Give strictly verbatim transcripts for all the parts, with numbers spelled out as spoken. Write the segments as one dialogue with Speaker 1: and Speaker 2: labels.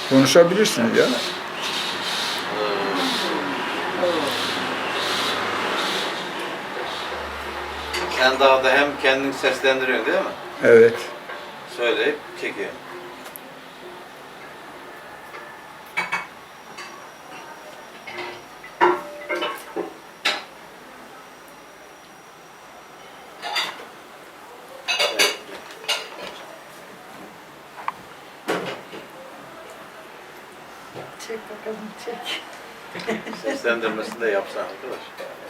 Speaker 1: Konuşabilirsiniz ya.
Speaker 2: Sen dağda hem kendini seslendiriyorsun değil mi?
Speaker 1: Evet.
Speaker 2: Söyleyip çekiyor.
Speaker 3: Çek bakalım, çek.
Speaker 2: Seslendirmesini de yapsan arkadaş.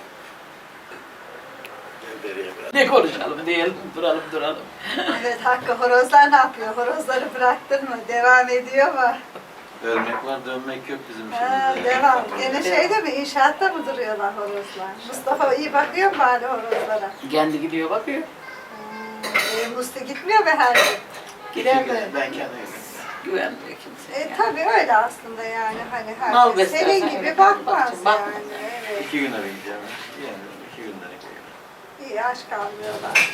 Speaker 2: Gel beriye biraz.
Speaker 4: Ne konuşalım diyelim, duralım duralım.
Speaker 3: Evet Hakkı, horozlar ne yapıyor? Horozları bıraktın mı? Devam ediyor mu?
Speaker 2: Ölmek var, dönmek yok bizim
Speaker 3: Ha,
Speaker 2: işimizde.
Speaker 3: devam. Gene şeyde mi, inşaatta mı duruyorlar horozlar? Mustafa iyi bakıyor mu bari horozlara?
Speaker 4: Kendi gidiyor bakıyor.
Speaker 3: Hmm, e, Musti gitmiyor mu her gün?
Speaker 4: Gider
Speaker 2: Ben
Speaker 4: de
Speaker 2: kendim.
Speaker 4: güvenmiyor kimse.
Speaker 3: E tabii öyle aslında yani. Hani
Speaker 4: Mal
Speaker 3: herkes
Speaker 4: beslersen
Speaker 3: senin gibi
Speaker 4: öyle
Speaker 3: bakmaz
Speaker 4: bakacaksın, bakma.
Speaker 3: yani. Evet.
Speaker 2: İki gün arayın gideceğim. Yani iki günlere gideceğim.
Speaker 3: İyi aşk kalmıyorlar.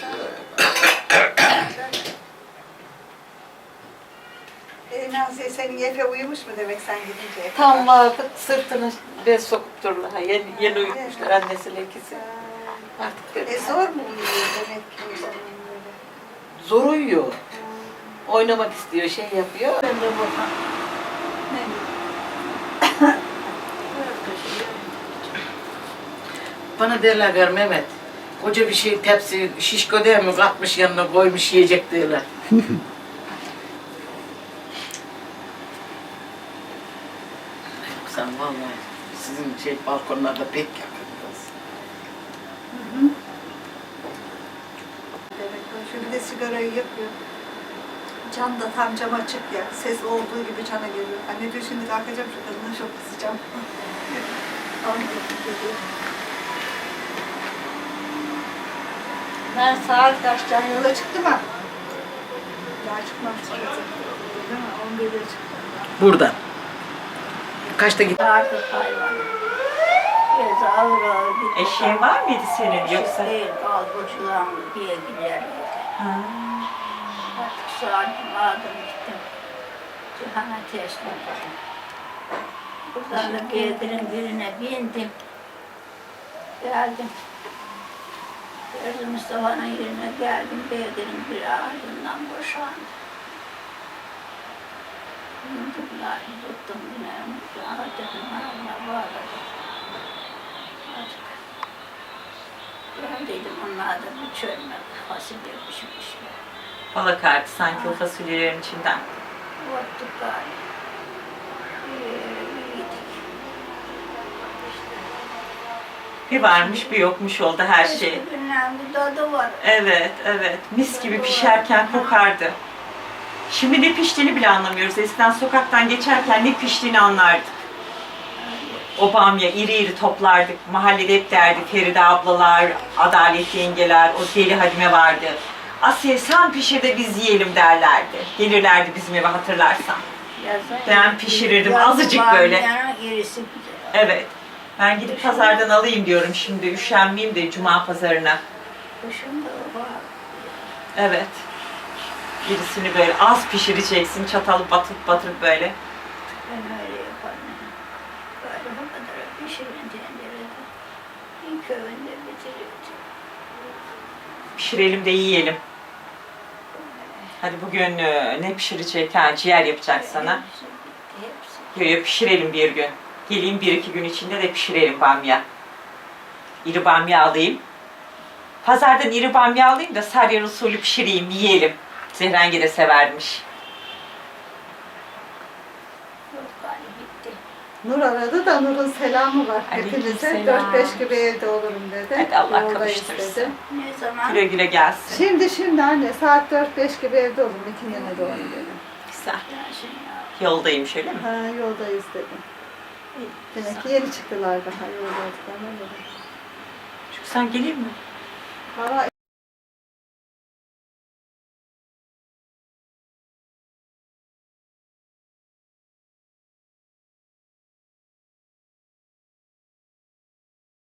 Speaker 3: E, Naziye senin Efe uyumuş mu demek sen gidince?
Speaker 4: Tam vakit sırtını bez sokup dururlar. Yeni, yeni uyutmuşlar annesiyle ikisi. Artık
Speaker 3: E zor mu uyuyor demek ki o zaman böyle?
Speaker 4: zor uyuyor. Oynamak istiyor, şey yapıyor. Ben de buradan. Bana derler gari Mehmet, koca bir şey tepsi şişko değil mi katmış yanına koymuş yiyecek derler. Sen vallahi sizin şey balkonlarda pek yakındınız.
Speaker 3: Evet, şu bir de sigarayı yakıyor. Cam da tam cam açık ya. Ses olduğu gibi cana geliyor. Anne diyor şimdi kalkacağım şu kadına çok kızacağım. Anladım geliyor. Ben saat kaçtan yola çıktı mı? Daha çıkmam çıkacak. Değil mi? on birde çıktım.
Speaker 4: Buradan. Kaçta gittin?
Speaker 5: Artık hayvan. Biraz ağır ağır gitti.
Speaker 6: Eşeğin var mıydı senin yoksa?
Speaker 5: Değil, kalburculan diye gider.
Speaker 6: Ha.
Speaker 5: Artık saatimi aldım gittim. Cihana teslim ettim. Buradan da Bedir'in birine bindim. Geldim. Gördüm Mustafa'nın yerine geldim. Bedir'in biri ardından boşandı. Bindirler, tuttum bineğimi. Dedim ağzına bağladım. Artık geldiydim, onlar da bir çölme fasulye pişmiş.
Speaker 6: Balık kartı sanki o fasulyelerin içinden.
Speaker 5: Ottuk galiba. Ee, yedik.
Speaker 6: Bir varmış bir yokmuş oldu her
Speaker 5: Eski
Speaker 6: şey.
Speaker 5: günden bir tadı var.
Speaker 6: Evet, evet. Mis gibi pişerken kokardı. Şimdi ne piştiğini bile anlamıyoruz. Eskiden sokaktan geçerken ne piştiğini anlardık. O bamya iri iri toplardık. Mahallede hep derdi Feride ablalar, Adalet yengeler, o deli Hadime vardı. Asiye sen pişir de biz yiyelim derlerdi. Gelirlerdi bizim eve hatırlarsan.
Speaker 5: Yazın,
Speaker 6: Ben pişirirdim,
Speaker 5: yazın
Speaker 6: azıcık
Speaker 5: var,
Speaker 6: böyle.
Speaker 5: yani irisi güzel.
Speaker 6: Evet. Ben gidip pazardan alayım diyorum şimdi. Üşenmeyeyim de cuma pazarına.
Speaker 5: Kışın da var.
Speaker 6: Evet. Birisini böyle az pişireceksin. Çatalı batırıp batırıp böyle.
Speaker 5: Ben öyle yaparım. Böyle bu kadar pişirin tencerede. İlk öğünde bitirirdim.
Speaker 6: Pişirelim de yiyelim. Hadi bugün e, ne pişirecek? Ha, ciğer yapacak sana.
Speaker 5: Hepsi bitti, hepsi.
Speaker 6: Yo, yo, pişirelim bir gün. Geleyim bir iki gün içinde de pişirelim bamya. İri bamya alayım. Pazardan iri bamya alayım da Sarıyer usulü pişireyim, yiyelim. Zehrenge de severmiş.
Speaker 5: Yok galiba bitti.
Speaker 3: Nur aradı da Nur'un selamı var. Hepinize
Speaker 6: Aleykümselam.
Speaker 3: dört beş gibi evde olurum dedi.
Speaker 6: Hadi Allah
Speaker 3: Yoldayız
Speaker 6: kavuştursun.
Speaker 3: dedi.
Speaker 5: Ne zaman?
Speaker 6: Güle güle gelsin.
Speaker 3: Şimdi şimdi anne saat dört beş gibi evde olurum. İkindine doğru dedi.
Speaker 6: Güzel.
Speaker 5: Dersin ya.
Speaker 6: Yoldayım şöyle mi?
Speaker 3: Ha yoldayız dedi. Demek ki yeni çıktılar daha yolda olduklarına göre.
Speaker 6: Çünkü sen geleyim mi?
Speaker 3: Valla